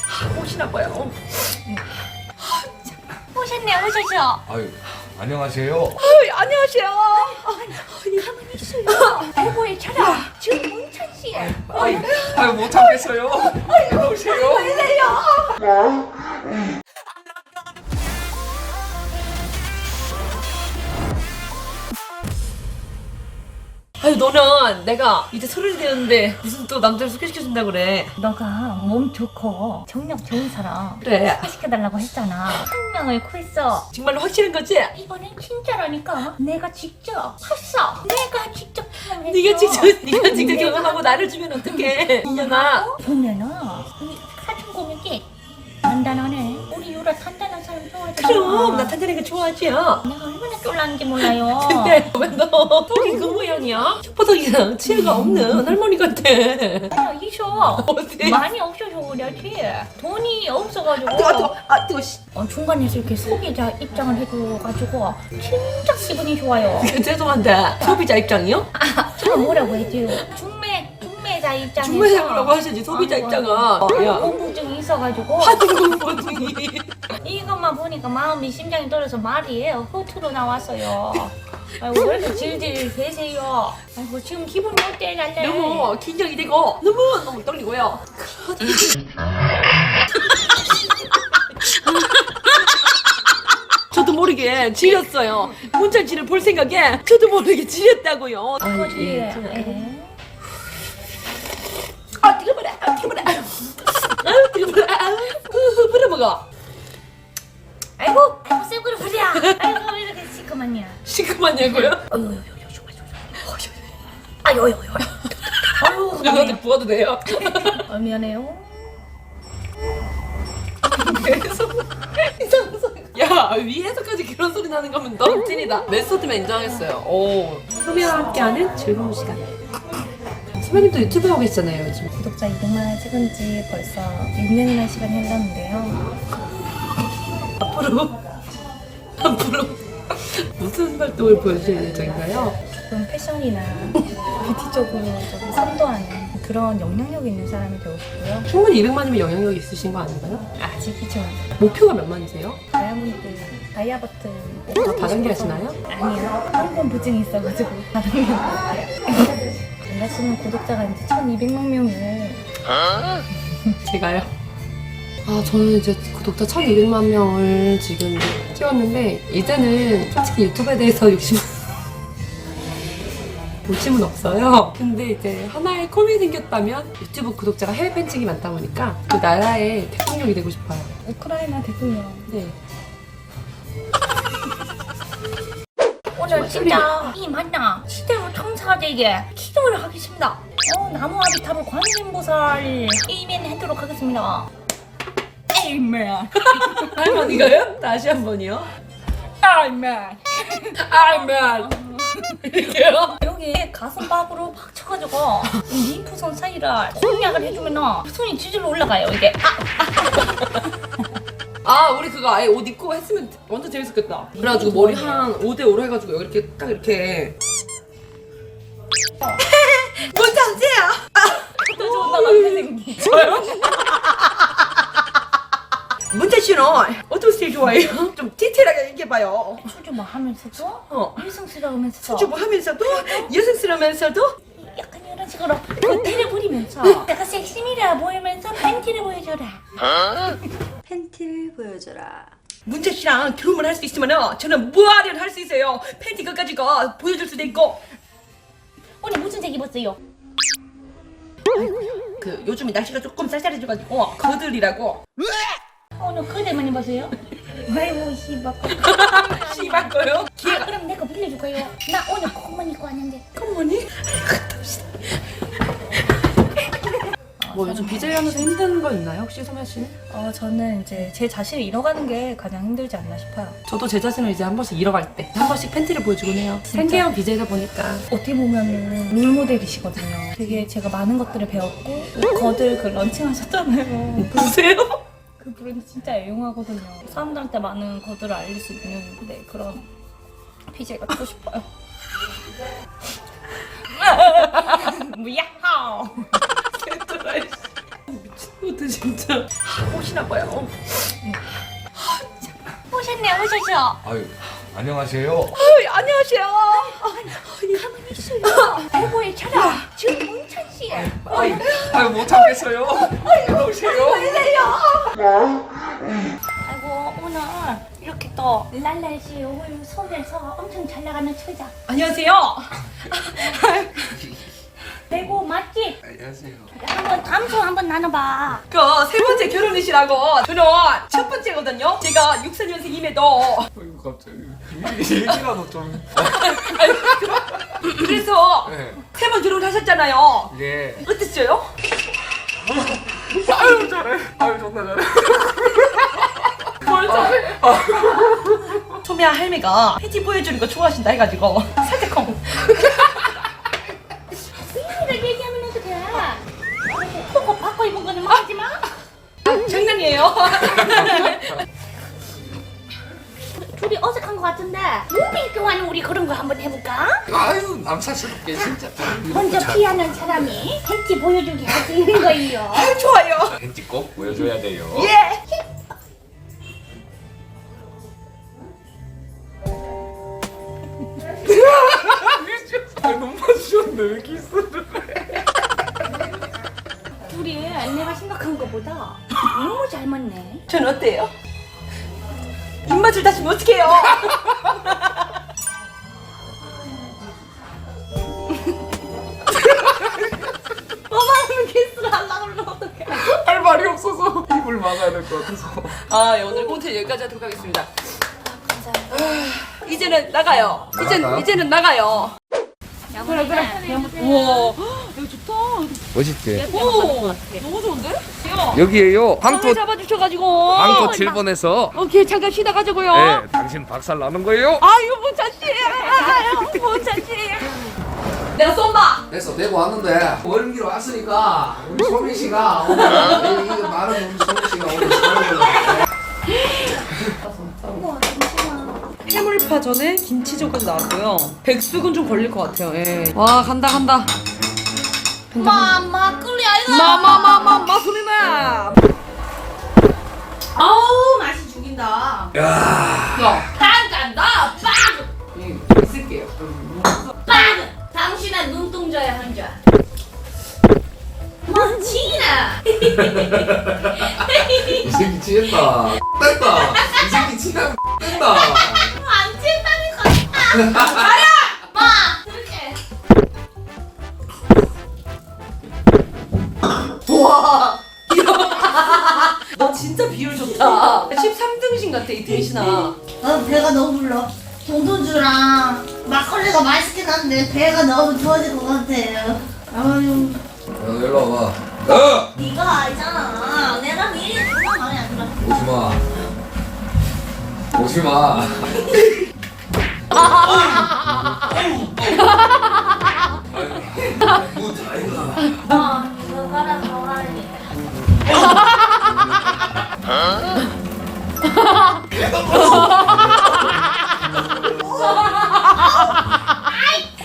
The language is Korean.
오시나 봐요. 오셨어. 아유, 안녕하세요. 안녕하세요. 가만히 있어요. 대보에 차라. 지금 뭉찬 씨. 아유, 못 참겠어요. 오세요. 아유 너는 내가 이제 서른이 되었는데 무슨 또 남자를 소개시켜준다 그래. 너가 몸 좋고 정력 좋은 사람 그래. 소개시켜달라고 했잖아. 한 명을 구했어. 정말로 확실한 거지? 이번엔 진짜라니까. 내가 직접 했어. 내가 직접 경험했어. 네가 직접 경험하고 나를 주면 어떡해. 이년아. 보면은 이 사진 보면 게 단단하네. 우리 유라 단단한 사람 좋아하잖아. 그럼 나 탄탄한 거 좋아하지요. 내가 얼마나 쫄랐는지 몰라요. 근데 왜 너 턱이 그 모양이야? 혓바닥이랑 치아가 없는 할머니 같아. 야, 있어. 어디? 많이 없어서 그렇지. 돈이 없어가지고. 뜨거. 씨. 중간에서 이렇게 소비자 입장을 해줘가지고 진짜 기분이 좋아요. 죄송한데 소비자 입장이요? 제가 뭐라고 했지? 중매자 입장에서 중매자라고 하시지 소비자 입장은. 야. 공부증이 있어가지고 하등공부증이. 이것만 보니까 마음이 심장이 떨어서 말이 허투루 나왔어요. 아이고 왜 이렇게 질질 대세요? 아이고 지금 기분이 어때 날래? 너무 긴장이 되고 너무 떨리고요. 저도 모르게 지렸어요. 문찬씨를 볼 생각에 저도 모르게 지렸다고요. 아버지 뜨거워라. 뜨거워라. 불어먹어. 아이고 쎄구려 부랴. 아이고 왜 이렇게 시커먼냐? 시큼하냐고요? 아유 저한테 부어도 돼요? 미안해요. 계속 이상한 소리. 야 위에서까지 그런 소리 나는 거면 너무 찐이다. 메소드만 인정하겠어요. 오. 소미와 함께하는 즐거운 시간. 소미님도 유튜브 하고 계시잖아요 요즘. 구독자 200만을 찍은 지 벌써 6년이나 시간이 흘렀는데요. 앞으로 무슨 활동을 보여주실 예정인가요? 조금 패션이나 뷰티 쪽으로 좀 선도하는 그런 영향력 있는 사람이 되고 싶고요. 충분히 200만이면 영향력이 있으신 거 아닌가요? 아직이죠. 목표가 몇 만이세요? 다이아버튼 다 다단계 하시나요? 아니요. 한번 부증이 있어가지고 다단계 못해요. 원하시는 구독자가 이제 1200만 명을 제가요? 저는 이제 구독자 1200만 명을 지금 찍었는데 이제는 솔직히 유튜브에 대해서 욕심은 없어요. 근데 이제 하나의 꿈이 생겼다면 유튜브 구독자가 해외 팬층이 많다 보니까 그 나라의 대통령이 되고 싶어요. 우크라이나 대통령. 네. 오늘 진짜 이 만나 시대로 청사되게 기도를 하겠습니다. 나무 아비타불 관세음보살 에이멘 하도록 하겠습니다. 에이멘. 할머니가요? 다시 한 번이요. 에이멘. 이렇게요? 여기 가슴팍으로 팍 쳐가지고 이 림프선 사이를 공략을 해주면 손이 지질러 올라가요 이게. 우리 그거 아예 옷 입고 했으면 완전 재밌었겠다. 그래가지고 머리 한 5대5로 해가지고 여기 이렇게 딱 이렇게. 뭔지 아세요? 또 좋은 남자 생기. 저요? 문재 씨는 어떤 스타일 좋아해요? 좀 디테일하게 얘기해봐요. 수줍어 하면서도 여성스러우면서도 수줍어 하면서도 여성스러우면서도 약간 이런 식으로 팬티를 부리면서 내가 섹시미라 보이면서 팬티를 보여줘라. 팬티를 보여줘라. 문재 씨랑 결혼을 할 수 있으면 저는 무아리를 할 수 있어요. 팬티 끝까지가 보여줄 수도 있고. 오늘 무슨 색 입었어요? 그 요즘에 날씨가 조금 쌀쌀해져가지고 거들이라고. 오늘 그대만 입었어요? 아이고 씨발. 씨발 거요? 그럼 내가 빌려줄까요? 나 오늘 콧만 입고 왔는데. 콧무늬? 뭐 요즘 BJ 하면서 힘든 거 있나요? 혹시 소면 씨는? 저는 이제 제 자신을 잃어가는 게 가장 힘들지 않나 싶어요. 저도 제 자신을 이제 한 번씩 잃어갈 때 한 번씩 팬티를 보여주곤 해요. 생계형 BJ다 보니까. 어떻게 보면은 롤모델이시거든요. 되게 제가 많은 것들을 배웠고 거들 그 런칭하셨잖아요. 보세요? 그 브랜드 진짜 애용하거든요. 사람들한테 많은 거들을 알릴 수 있는 그런 BJ가 되고 싶어요. 뭐야? 미친놈. 같아 진짜. 오시나 봐요. 오셨네 오셨어. 아유, 안녕하세요. 안녕하세요. 가만히 있어요. 어머니 차라. 지금 몽찬 씨. 아유, 못 참겠어요. 오세요. 아이고 오늘 이렇게 또 랄랄 씨 오늘 서울에서 엄청 잘 나가는 처자. 안녕하세요. 대구 맛집. 안녕하세요. 한번 감소 한번 나눠봐. 그 세 번째 결혼이시라고. 저는 첫 번째거든요. 제가 64년생임에도 아이고, 갑자기. 얘기라도 좀. 그래서 네. 세 번 결혼하셨잖아요. 예. 어땠어요? 아유, 잘해. 아유, 존나 잘해. 뭘 잘해? 소미야 할매가 팬티 보여주는 거 좋아하신다 해가지고 살짝 콩. 이를 얘기하면 어떡해. 그거 바꿔 입은 거는 말하지 마. 장난이에요. 둘이 어색한 것 같은데 몸이 좋아하는 우리 그런 거 한번 해볼까? 아유, 남사스럽게, 진짜. 먼저 피하는 사람이 팬티 보여주기 할 수 있는 거예요. 좋아요. 팬티 꼭 보여줘야 돼요. 예. 아, 너무 맞으셨네. 왜 키스를 해? 둘이 내가 생각한 것보다 너무 잘 맞네. 전 어때요? 입맛을 다시면 어떡해요? 너만 키스를 하려고 그러면 어떡해? 할 말이 없어서 입을 막아야 될 것 같아서. 아, 예, 오늘 콘텐츠 여기까지 하도록 하겠습니다. 이제는 나가요. 이제는 나가요. 그래 그래. 우와, 여기 좋다. 멋있지? 오, 너무 좋은데? 야, 여기에요. 방을 잡아주셔가지고. 방토 7번에서. 오케이, 잠깐 쉬다 가지고요. 네, 당신 박살 나는 거예요. 아유, 모차씨. 아유, 모차씨. 내가 쏜다. 됐어, 대구 왔는데 원기로 왔으니까 우리 소민 씨가 오늘 이 많은 우리 소민 씨가 오늘 잘해보려고. 해물파전에 김치젓까지 나왔고요. 백숙은 좀 걸릴 것 같아요. 예. 와, 간다. 마마 끓여 이거. 마마마마마 소리나. 아우 맛이 죽인다. 야, 간다. 빡. 있을게요. 빡. 당신은 눈동자야 한자. 멋지나. 이 새끼 취했다. 뺐다. 이 새끼 취하면 뺀다. 안 친다니까. 가야. 마. 그렇게. 와. 너 진짜 비율 좋다. 13등신 같아, 이 등신아. 배가 너무 불러. 동동주랑 막걸리가 맛있긴 한데 배가 너무 좋아질 것 같아요. 아유, 일로 와봐. 네가 알잖아. 내가 미리 정말 마음에 안 들어. 오지마. 뭐 다이가. 이거 가라 가라니. 아이